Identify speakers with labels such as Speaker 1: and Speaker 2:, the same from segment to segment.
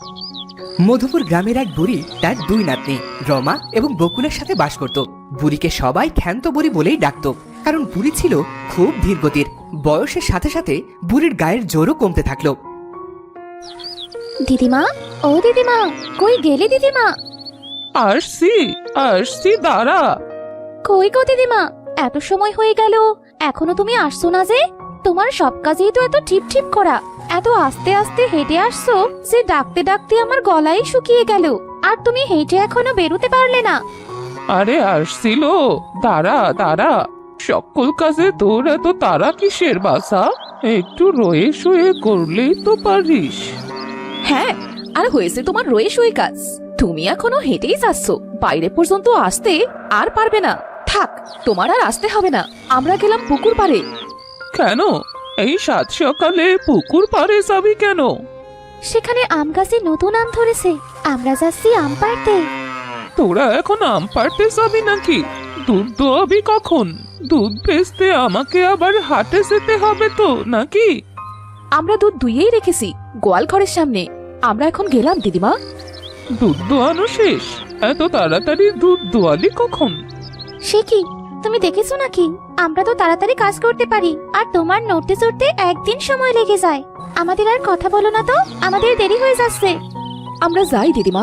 Speaker 1: মধুপুর গ্রামের এক বুড়ি তার দুই নাতনি রমা এবং বকুলের সাথে বাস করত। বুড়িকে সবাই ক্ষান্ত বুড়ি বলেই ডাকত, কারণ বুড়ি ছিল খুব ধীরগতির। বয়সের সাথে সাথে বুড়ির গায়ের জোরও কমতে থাকলো।
Speaker 2: দিদিমা, ও দিদিমা, কই গেলে দিদিমা?
Speaker 3: আসছি আসছি, দাঁড়া।
Speaker 2: কই গো দিদিমা, এত সময় হয়ে গেল, এখনো তুমি আসছো না যে? তোমার সব কাজেই তো এত ঠিপ ঠিপ করা, এত আস্তে আস্তে হেঁটে আসছো যে ডাকতে ডাকতে আমার গলাই শুকিয়ে গেল, আর তুমি হেঁটে এখনো বেরোতে পারলে না।
Speaker 3: আরে আসছিল, দাঁড়া দাঁড়া। সকল কাজে তোর এত তারা কিসের বাসা? একটু রয়ে শুয়ে করলেই তো পারিস।
Speaker 4: হ্যাঁ, আর হয়েছে তোমার রয়ে শুয়ে কাজ। তুমি এখনো হেঁটেই যাচ্ছ, বাইরে পর্যন্ত আসতে আর পারবে না। থাক, তোমার আর আসতে হবে না, আমরা গেলাম পুকুর পাড়ে।
Speaker 3: কেন এই সাত সকালে পুকুর পাড়ে যাবি কেন?
Speaker 2: সেখানে আম গাছে নতুন আম ধরেছে, আমরা যাচ্ছি আম পাড়তে।
Speaker 3: তোরা এখন আম পাড়তে যাবি নাকি? দুধ দোয়াবি কখন? দুধ বেচতে আমাকে আবার হাটে যেতে হবে তো নাকি?
Speaker 4: আমরা দুধ দুইয়েই রেখেছি গোয়াল ঘরের সামনে। আমরা এখন গেলাম দিদিমা।
Speaker 3: দুধ দোয়ানো শেষ? এত তাড়াতাড়ি দুধ দোয়ালি কখন?
Speaker 2: সে কি, তুমি দেখেছো নাকি? আমরা তো তাড়াতাড়ি কাজ করতে পারি, আর তোমার নড়তে চড়তে একদিন সময় লেগে যায়। আমাদের আর কথা বলো না তো, আমাদের দেরি হয়ে যাচ্ছে।
Speaker 4: আমরা যাই দিদিমা।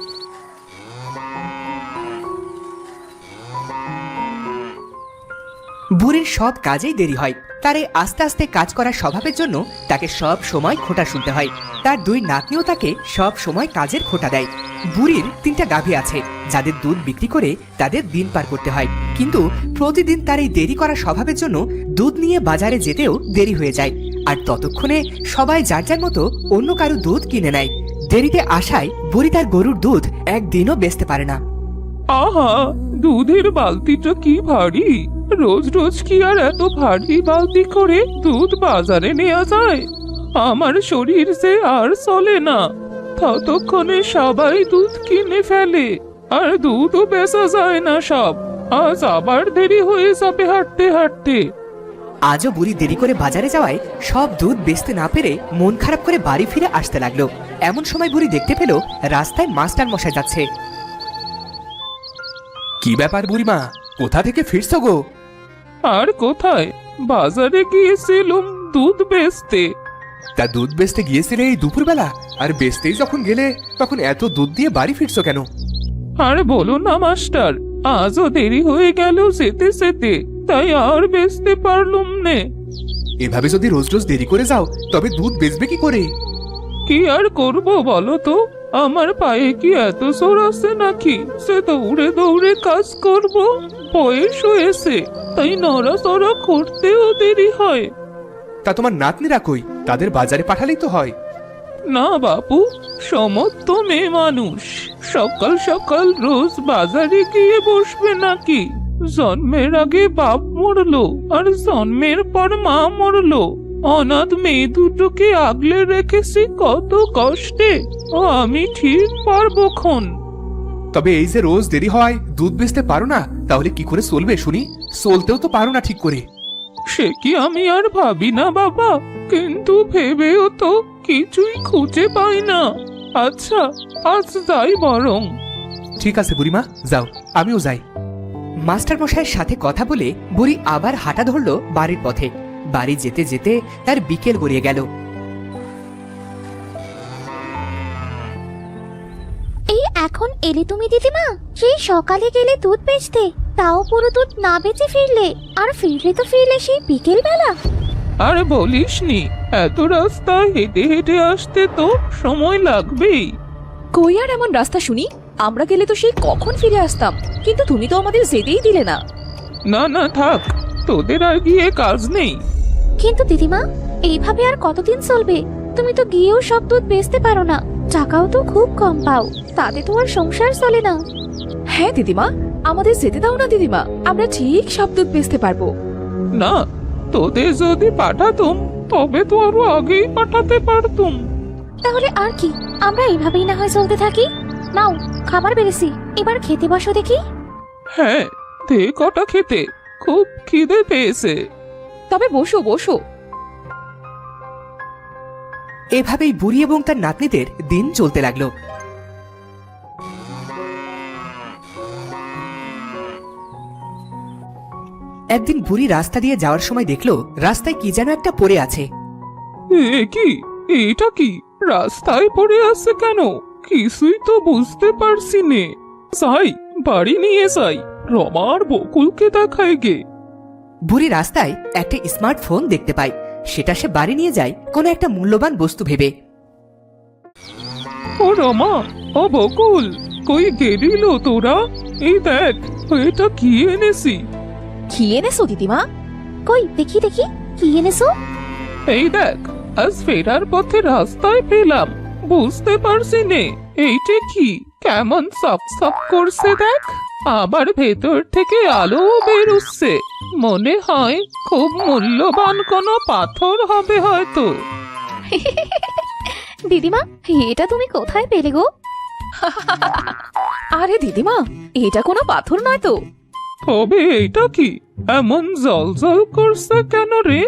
Speaker 1: বুড়ির সব কাজেই দেরি হয়। তার এই আস্তে আস্তে কাজ করার স্বভাবের জন্য তাকে সব সময় খোঁটা শুনতে হয়। তার দুই নাতনিও তাকে সব সময় কাজের খোঁটা দেয়। বুড়ির 3টা গাভী আছে, যাদের দুধ বিক্রি করে তাদের দিন পার করতে হয়। কিন্তু প্রতিদিন তার এই দেরি করার স্বভাবের জন্য দুধ নিয়ে বাজারে যেতেও দেরি হয়ে যায়। আর ততক্ষণে সবাই যার যার মতো অন্য কারো দুধ কিনে নেয়। দেরিতে আসায় বুড়ি তার গরুর দুধ একদিনও বেচতে পারে না।
Speaker 3: আহা, দুধের বালতিটা কি ভারী! রোজ রোজ কি আর এত ভারী বালতি করে দুধ বাজারে নেওয়া যায়? আমার শরীর যে আর চলে না। ততক্ষণে সবাই দুধ কিনে ফেলে, আর দুধও বেচা যায় না সব। আজ আবার দেরি হয়ে যাবে হাঁটতে হাঁটতে।
Speaker 1: আজও বুড়ি দেরি করে বাজারে যাওয়ায় সব দুধ বেচতে না পেরে মন খারাপ করে বাড়ি ফিরে আসতে লাগলো। এমন সময় বুড়ি দেখতে পেল রাস্তায় মাস্টার মশাই যাচ্ছে। কি ব্যাপার বুড়িমা, কোথা থেকে ফিরছো গো?
Speaker 3: আর কোথায়, বাজারে গিয়েছিলুম দুধ বেচতে।
Speaker 5: তা দুধ বেচতে গিয়েছিলে এই দুপুরবেলা, আর বেচতেই যখন গেলে তখন এত দুধ দিয়ে বাড়ি ফিরছো কেন?
Speaker 3: আর বলো না মাস্টার, আজও দেরি হয়ে গেল যেতে যেতে, তাই আর বেচতে পারলুম নে।
Speaker 5: এভাবে যদি রোজ রোজ দেরি করে যাও তবে দুধ বেচবে কি করে?
Speaker 3: কি আর করব বলো তো, আমার পায়ে কি এত জোর আছে নাকি সে দৌড়ে দৌড়ে কাজ করব? বয়স হয়েছে, তাই নড়াচড়া করতেও দেরি হয়।
Speaker 5: তা তোমার নাতনিরা কই? তাদের বাজারে পাঠালেই তো হয়।
Speaker 3: না বাপু, সমস্ত মেয়ে মানুষ সকাল সকাল রোজ বাজারে গিয়ে বসবে নাকি? জন্মের আগে বাপ মরলো, আর জন্মের পর মা মরলো। অনাথ মেয়ে দুটোকে আগলে রেখেছি কত কষ্টে, ও আমি ঠিক পারবো খন।
Speaker 5: তবে এই যে রোজ দেরি হয় দুধ বেচতে পারো না, তাহলে কি করে চলবে শুনি? চলতেও তো পারো না ঠিক করে।
Speaker 3: সে কি আমি আর ভাবি না বাবা, কিন্তু ভেবেও তো কিছুই খুঁজে পাই না। আচ্ছা, আজ যাই বরং।
Speaker 5: ঠিক আছে বুড়িমা, যাও, আমিও যাই।
Speaker 1: মাস্টার মশাইয়ের সাথে কথা বলে বুড়ি আবার হাঁটা ধরলো বাড়ির পথে। বাড়ি যেতে যেতে তার বিকেল গড়িয়ে গেল।
Speaker 2: এই এখন এলে তুমি দিদিমা? সেই সকালে গেলে দুধ বেচতে, তাও পুরো দুধ না বেচে ফিরলে, আর ফিরলে তো ফিরলে সেই বিকেল বেলা।
Speaker 3: আর বলিসনি, এত রাস্তা হেঁটে হেঁটে আসতে তো সময় লাগবেই।
Speaker 4: কই আর এমন রাস্তা শুনি, আমরা গেলে তো সেই কখন ফিরে আসতাম, কিন্তু তুমি তো আমাদের যেতেই দিলে না।
Speaker 3: না না থাক, তোদের আর গিয়ে কাজ নেই।
Speaker 2: কিন্তু দিদিমা, এইভাবে আর কতদিন চলবে? তুমি তো গিয়েও সব দুধ বেচতে পারো না, টাকাও তো খুব কম পাও, তাতে তো আর সংসার চলে না।
Speaker 4: হ্যাঁ দিদিমা, আমাদের যেতে দাও না দিদিমা, আমরা ঠিক সব দুধ বেচতে পারবো।
Speaker 3: না, তোদের যদি পাঠাতুম তবে তো আরো আগেই পাঠাতে পারতুম।
Speaker 2: তাহলে আর কি, আমরা এইভাবেই না হয় চলতে থাকি। নাও, খাবার বেড়েছি, এবার খেতে বসো দেখি।
Speaker 3: হ্যাঁ, দে কটা খেতে, খুব খিদে পেয়েছে।
Speaker 4: তবে বসো বসো।
Speaker 1: এভাবেই বুড়ি এবং তার নাতনিদের দিন চলতে লাগলো। একদিন বুড়ি রাস্তা দিয়ে যাওয়ার সময় দেখলো রাস্তায় কি যেন একটা পড়ে আছে।
Speaker 3: এ কি? এটা কি রাস্তায় পড়ে আছে কেন? কিছুই তো বুঝতে পারছি নে। যাই, বাড়ি নিয়ে যাই, রমার বকুলকে দেখায় গে।
Speaker 1: বুড়ি রাস্তায় একটা স্মার্টফোন দেখতে পায়, সেটা সে বাড়ি নিয়ে যায় কোনো একটা মূল্যবান বস্তু ভেবে।
Speaker 3: ও রমা, ও বকুল, কই গেলিল তোরা? এই দেখ, এটা কি এনেছি।
Speaker 2: কি এনেছো দিদিমা? কই দেখি দেখি, কি এনেছো?
Speaker 3: এই দেখ, আজ ফেরার পথে রাস্তায় পেলাম, বুঝতে পারছি নে এইটা কি। কেমন সাপ সাপ করছে দেখ, আবার ভেতর থেকে আলো বেরুচ্ছে। মনে হয় খুব মূল্যবান কোনো পাথর হবে হয়তো।
Speaker 2: দিদিমা, এটা তুমি কোথায় পেলে গো?
Speaker 4: আরে দিদিমা, এটা কোনো পাথর নয় তো।
Speaker 3: তবে এটা কি এমন জল জল করছে কেন রে?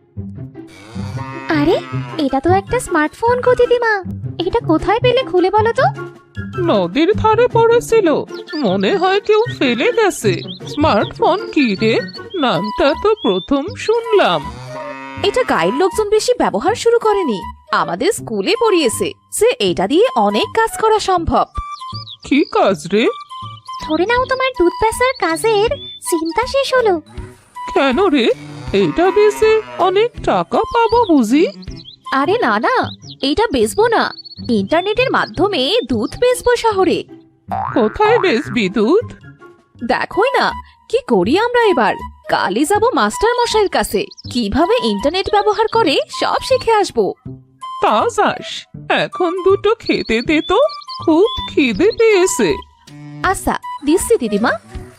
Speaker 2: আরে, এটা তো একটা স্মার্টফোন গো দিদিমা। এটা কোথায় পেলে খুলে বলো তো।
Speaker 3: নদীর ধারে পড়েছিল, মনে হয় কেউ ফেলে গেছে। স্মার্টফোন কি রে? নামটা তো প্রথম শুনলাম।
Speaker 4: এটা গায়ের লোকজন বেশি ব্যবহার শুরু করেনি, আমাদের স্কুলে পড়িয়েছে যে এটা দিয়ে অনেক কাজ করা সম্ভব।
Speaker 3: কি কাজ রে?
Speaker 2: ধরে নাও তোমার দুধ বেচার কাজের চিন্তা শেষ হলো।
Speaker 3: কেন রে? এটা বেচে অনেক টাকা পাবো বুঝি?
Speaker 4: আরে না না, এইটা বেচবো না, ইন্টারনেটের মাধ্যমে দুধ বেচবো শহরে।
Speaker 3: কোথায় বেচবি দুধ?
Speaker 4: দেখোই না কি করি আমরা এবার। কালই যাব মাস্টার মশাইয়ের কাছে, কিভাবে ইন্টারনেট ব্যবহার করে সব শিখে আসবো।
Speaker 3: তা যাস, এখন দুটো খেতে দে তো, খুব খিদে পেয়েছে।
Speaker 4: আচ্ছা, দিচ্ছি দিদিমা।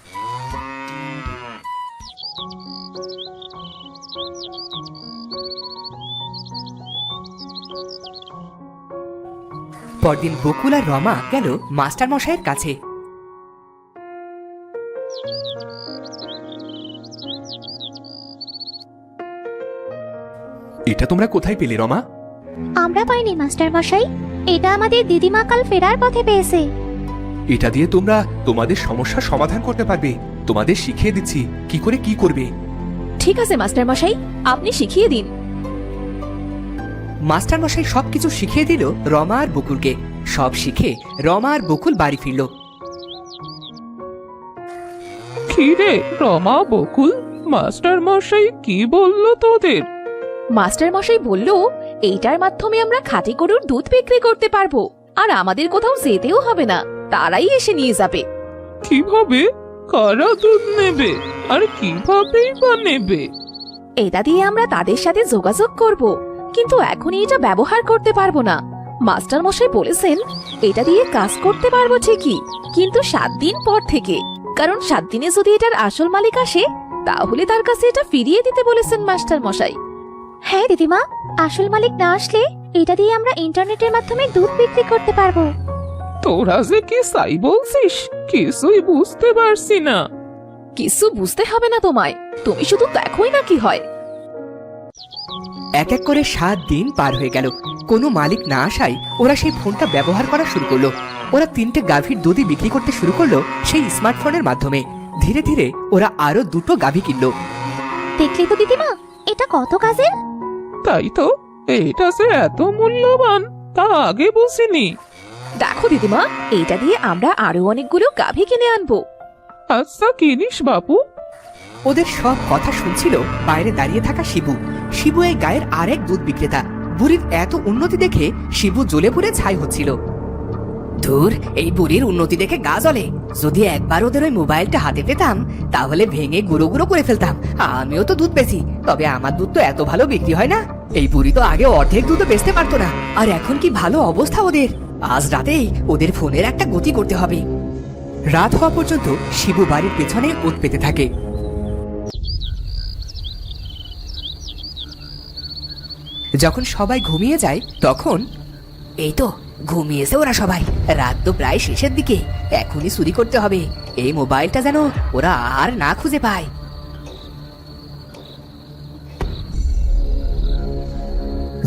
Speaker 1: পরদিন বকুল আর রমা গেল মাস্টার মশাইয়ের কাছে।
Speaker 5: এটা তোমরা কোথায় পেলে রমা?
Speaker 2: আমরা পাইনি মাস্টার মশাই, এটা আমাদের দিদিমা কাল ফেরার পথে পেয়েছে।
Speaker 5: এটা দিয়ে তোমরা তোমাদের সমস্যার সমাধান করতে পারবে। তোমাদের শিখিয়ে দিচ্ছি কি করে কি করবে।
Speaker 4: ঠিক আছে মাস্টার মশাই, আপনি শিখিয়ে দিন।
Speaker 1: মাস্টার মশাই সবকিছু শিখিয়ে দিল রমা আর বকুলকে। সব শিখে রমা আর বকুল বাড়ি ফিরল।
Speaker 3: কি রে রমা, বকুল, মাস্টার মশাই কি বললো তোদের?
Speaker 4: মাস্টার মশাই বলল এইটার মাধ্যমে আমরা খাঁটি গরুর দুধ বিক্রি করতে পারবো, আর আমাদের কোথাও যেতেও হবে না, তারাই এসে নিয়ে যাবে।
Speaker 3: কিভাবে? কারা দুধ নেবে আর কিভাবেই বা নেবে?
Speaker 4: এটা দিয়ে আমরা তাদের সাথে যোগাযোগ করব, কিন্তু এখনই এটা ব্যবহার করতে পারবো না। মাস্টার মশাই বলেছেন এটা দিয়ে কাজ করতে পারবো ঠিকই, কিন্তু 7 দিন পর থেকে। কারণ 7 দিনে যদি এটার আসল মালিক আসে, তাহলে তার কাছে এটা ফিরিয়ে দিতে বলেছেন মাস্টার মশাই।
Speaker 2: হ্যাঁ দিদিমা, আসল মালিক না আসলে এটা দিয়ে আমরা ইন্টারনেটের মাধ্যমে দুধ বিক্রি করতে পারবো।
Speaker 3: তোরা যে কি চাই বলছিস, কিছুই বুঝতে পারছি না।
Speaker 4: কিছু বুঝতে হবে না তোমায়, তুমি শুধু দেখোই না কি হয়।
Speaker 1: এক এক করে 7 দিন পার হয়ে গেল। কোনো মালিক না আসায় ওরা সেই ফোনটা ব্যবহার করা শুরু করলো। ওরা 3টে গাভীর দুধই বিক্রি করতে শুরু করলো সেই স্মার্টফোনের মাধ্যমে। ধীরে ধীরে ওরা আরো 2টো গাভী কিনলো।
Speaker 2: দেখলে তো দিদিমা, এটা কত কাজের।
Speaker 3: তাই তো, এটা যে এত মূল্যবান তা আগে বুঝিনি।
Speaker 4: দেখো দিদিমা, এইটা দিয়ে আমরা আরো অনেকগুলো গাভী কিনে আনবো।
Speaker 3: আচ্ছা কিনিস বাপু।
Speaker 1: ওদের সব কথা শুনছিল বাইরে দাঁড়িয়ে থাকা শিবু। শিবু এই গায়ের আরেক দুধ বিক্রেতা। বুড়ির এত উন্নতি দেখে শিবু জ্বলে পুড়ে ছাই হচ্ছিল। ধুর, এই বুড়ির উন্নতি দেখে গা জ্বলে। যদি একবার ওদের ওই মোবাইলটা হাতে পেতাম তাহলে ভেঙে গুঁড়ো গুঁড়ো করে ফেলতাম। আমিও তো দুধ বেচি, তবে আমার দুধ তো এত ভালো বিক্রি হয় না। এই বুড়ি তো আগে অর্ধেক দুধও বেচতে পারতো না, আর এখন কি ভালো অবস্থা ওদের। আজ রাতেই ওদের ফোনের একটা গতি করতে হবে। রাত হওয়া পর্যন্ত শিবু বাড়ির পেছনে ওত পেতে থাকে। যখন সবাই ঘুমিয়ে যায় তখন এই তো ঘুমিয়েছে ওরা সবাই। রাত তো প্রায় শেষের দিকে, এখনই চুরি করতে হবে। এই মোবাইলটা যেন ওরা আর না খুঁজে পায়।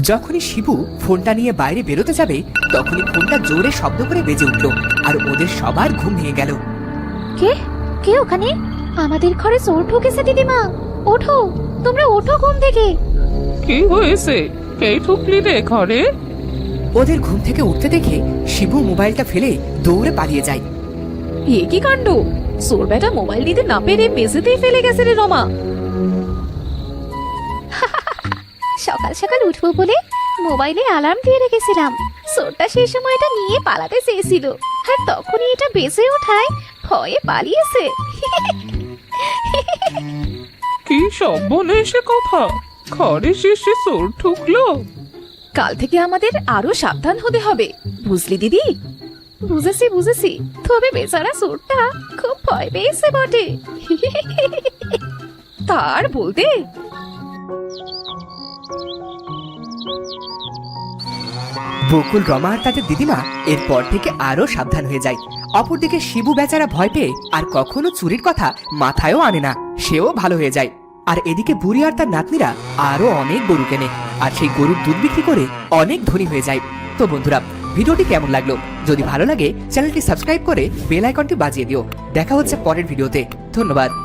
Speaker 1: যখনই শিবু ফোনটা নিয়ে বাইরে বেরোতে যাবে তখনই ফোনটা জোরে শব্দ করে বেজে উঠল আর ওদের সবার ঘুম ভেঙে গেল।
Speaker 2: কে কে ওখানে? আমাদের ঘরে চোর ঢুকেছে দিদিমা। ওঠো, তোমরা ওঠো ঘুম থেকে।
Speaker 3: কি হয়েছে? কে ঢুকলি রে ঘরে?
Speaker 1: ওদের ঘুম থেকে উঠতে দেখে শিবু মোবাইলটা ফেলে দৌড়ে পালিয়ে যায়।
Speaker 4: এ কি কাণ্ড! চোর বেটা মোবাইল নিতে না পেরে মেঝেতেই ফেলে গেছে রে রমা।
Speaker 2: সকাল সকাল উঠবো বলে মোবাইলে অ্যালার্ম দিয়ে রেখেছিলাম। চোরটা সেই সময় এটা নিয়ে পালাতে চেয়েছিল, আর তখনই এটা বেজে ওঠায় ভয়ে পালিয়েছে।
Speaker 3: কি সর্বনেশে কথা! ঘরে শেষে চোর ঢুকলো?
Speaker 4: কাল থেকে আমাদের আরো সাবধান হতে হবে, বুঝলি দিদি?
Speaker 2: বুঝেছি বুঝেছি, তবে বেচারা চোরটা খুব ভয় পেয়েছে বটে।
Speaker 4: তার বলতে
Speaker 1: বকুল, রমা আর তাদের দিদিমা এরপর থেকে আরো সাবধান হয়ে যায়। অপরদিকে শিবু বেচারা ভয় পেয়ে আর কখনো চুরির কথা মাথায়ও আনে না, সেও ভালো হয়ে যায়। আর এদিকে বুড়ি আর তার নাতনিরা আরো অনেক গরু কেনে আর সেই গরুর দুধ বিক্রি করে অনেক ধনী হয়ে যায়। তো বন্ধুরা, ভিডিওটি কেমন লাগলো? যদি ভালো লাগে চ্যানেলটি সাবস্ক্রাইব করে বেল আইকনটি বাজিয়ে দিও। দেখা হচ্ছে পরের ভিডিওতে। ধন্যবাদ।